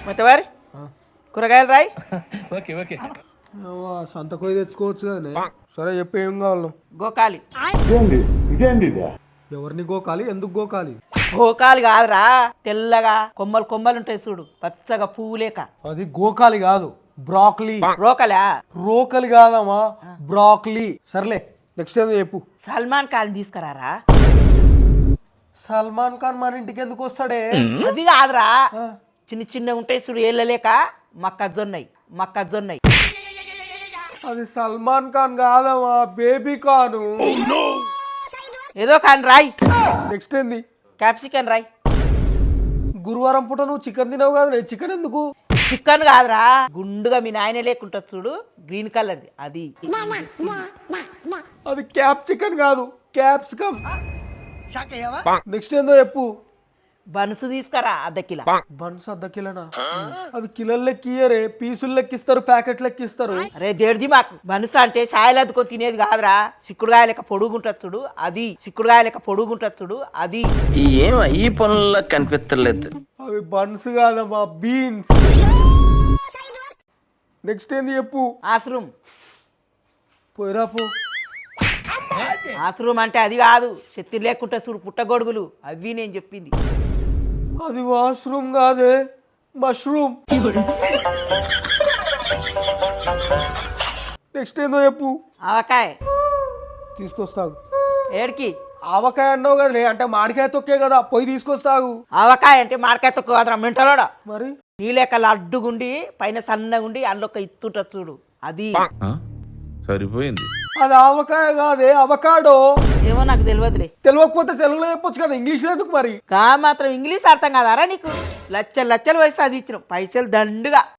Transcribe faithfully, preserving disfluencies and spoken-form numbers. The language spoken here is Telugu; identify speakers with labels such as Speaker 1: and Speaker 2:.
Speaker 1: మొత్తవారి కూరగాయలు రాయి.
Speaker 2: ఓకే ఓకే
Speaker 3: సంతకోయి తెచ్చుకోవచ్చు కదనే. సరే చెప్పు ఏం కావాలి?
Speaker 1: గోకాలి.
Speaker 3: ఎవరిని గోకాలి, ఎందుకు గోకాలి?
Speaker 1: గోకాలి కాదురా, తెల్లగా కొమ్మలు కొమ్మలు ఉంటాయి చూడు, పచ్చగా పువ్వు లేక.
Speaker 3: అది గోకాలి కాదు, బ్రాక్లీ.
Speaker 1: రోకలా?
Speaker 3: రోకలి కాదమ్మా, బ్రాక్లీ. సర్లే నెక్స్ట్ ఏదో చెప్పు.
Speaker 1: సల్మాన్ ఖాన్ తీసుకురారా.
Speaker 3: సల్మాన్ ఖాన్ మన ఇంటికి ఎందుకు వస్తాడే?
Speaker 1: అవి కాదురా, చిన్న చిన్న ఉంటాయి చూడు, ఏళ్ళలేక మక్కజొన్నయి మక్కజొన్నయి.
Speaker 3: అది సల్మాన్ ఖాన్ కాదమ్మా, బేబీ ఖాను.
Speaker 1: ఏదో కానీ రాయ్.
Speaker 3: నెక్స్ట్ ఏంది?
Speaker 1: క్యాప్సికన్ రాయ్.
Speaker 3: గురువారం పూట నువ్వు చికెన్ తినవు కదా, నేను చికెన్ ఎందుకు?
Speaker 1: చికెన్ కాదురా, గుండుగా మీ నాయన లేకుంటుంది చూడు, గ్రీన్ కలర్ది అది.
Speaker 3: అది క్యాప్ చికెన్ కాదు, క్యాప్సికమ్. నెక్స్ట్ ఏందో చెప్పు.
Speaker 1: బనుసు తీసుకురా అర్ధ కిలో.
Speaker 3: బన్స్ అర్ధ కిలోనా? అవి కిలోలు లెక్కియరే, పీసులు లెక్కిస్తారు, ప్యాకెట్ లెక్కిస్తారు.
Speaker 1: అరే దేడిది మాకు బనుసు అంటే ఛాయలు అద్దుకొని తినేది కాదురా, చిక్కుడుగాయ లెక్క పొడుగుంటుంది చూడు అది. చిక్కుడుగాయ లెక్క పొడుగుంటుంది చూడు అది.
Speaker 4: ఏం ఈ పనుల్లో కనిపించలేదు.
Speaker 3: అవి బన్స్ కాదమ్మా, బీన్స్. నెక్స్ట్ ఏంది చెప్పు.
Speaker 1: ఆశ్రూమ్.
Speaker 3: పోయిరా పో.
Speaker 1: ఆశ్రూమ్ అంటే అది కాదు, శక్తి లేకుంటే చూడు పుట్టగొడుగులు, అవి నేను చెప్పింది.
Speaker 3: అది వాష్రూమ్ కాదే, మష్రూమ్. నెక్స్ట్ ఏందో చెప్పు.
Speaker 1: ఆవకాయ
Speaker 3: తీసుకొస్తాగు.
Speaker 1: ఏడికి?
Speaker 3: ఆవకాయ అన్నావు కదా, అంటే మామిడికాయ తొక్కే కదా, పోయి తీసుకొస్తాగు.
Speaker 1: ఆవకాయ అంటే మార్కాయ తొక్క కాదురా మెంటలోడా.
Speaker 3: మరి
Speaker 1: నీ లెక్క అడ్డుగుండి పైన సన్నగుండి అందులో ఒక ఇత్తుంటది చూడు అది.
Speaker 5: సరిపోయింది.
Speaker 3: అది ఆవకాయ కాదే, అవకాడో.
Speaker 1: ఏమో నాకు తెలియదులే.
Speaker 3: తెలియకపోతే తెలుగులో చెప్పొచ్చు కదా, ఇంగ్లీష్లో ఎందుకు మరి?
Speaker 1: గా మాత్రం ఇంగ్లీష్ అర్థం కాదారా నీకు? లచ్చలు లచ్చలు పైసలు అది ఇచ్చినాం, పైసలు దండుగా.